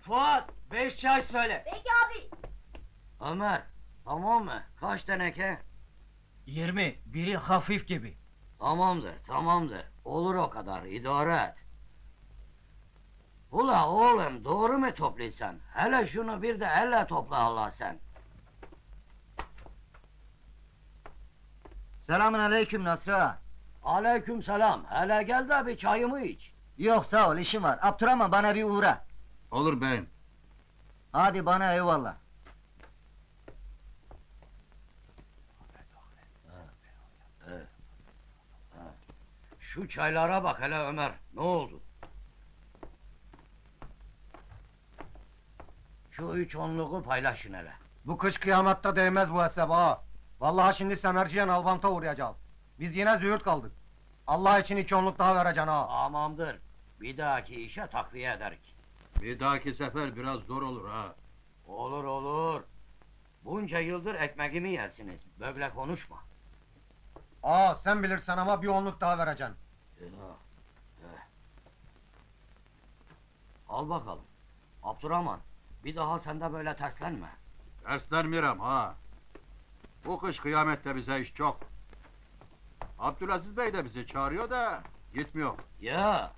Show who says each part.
Speaker 1: Fuat, 5 çay söyle.
Speaker 2: Peki abi.
Speaker 1: Ömer, tamam mı? Kaç teneke?
Speaker 3: 20, biri hafif gibi.
Speaker 1: Tamamdır, tamamdır. Olur o kadar, idare et. Ula oğlum, doğru mu toplaysan? Hele şunu bir de elle topla Allah sen.
Speaker 4: Selamun aleyküm Nasri ağa.
Speaker 1: Aleyküm selam. Hele gel de bir çayımı iç.
Speaker 4: Yok sağ ol, işim var. Abdurrahman bana bir uğra.
Speaker 5: Olur beyim.
Speaker 4: Hadi bana eyvallah.
Speaker 1: Şu çaylara bak hele Ömer, ne oldu? Şu 3 onluğu paylaşın hele.
Speaker 6: Bu kış kıyamatta değmez bu hesap ha. Vallahi şimdi semerciyen Albant'a uğrayacağız. Biz yine züğürt kaldık. Allah için 2 onluk daha vereceksin ha.
Speaker 1: Tamamdır. Bir dahaki işe takviye ederik.
Speaker 5: Bir dahaki sefer biraz zor olur ha.
Speaker 1: Olur olur. Bunca yıldır ekmeğimi yersiniz. Böyle konuşma.
Speaker 6: Aa sen bilirsen ama 1 onluk daha vereceksin.
Speaker 1: Al bakalım. Abdurrahman, bir daha sen de böyle terslenme.
Speaker 5: Derslenmiyorum ha. Bu kış kıyamette bize iş çok. Abdülaziz Bey de bizi çağırıyor da gitmiyor.
Speaker 1: Ya,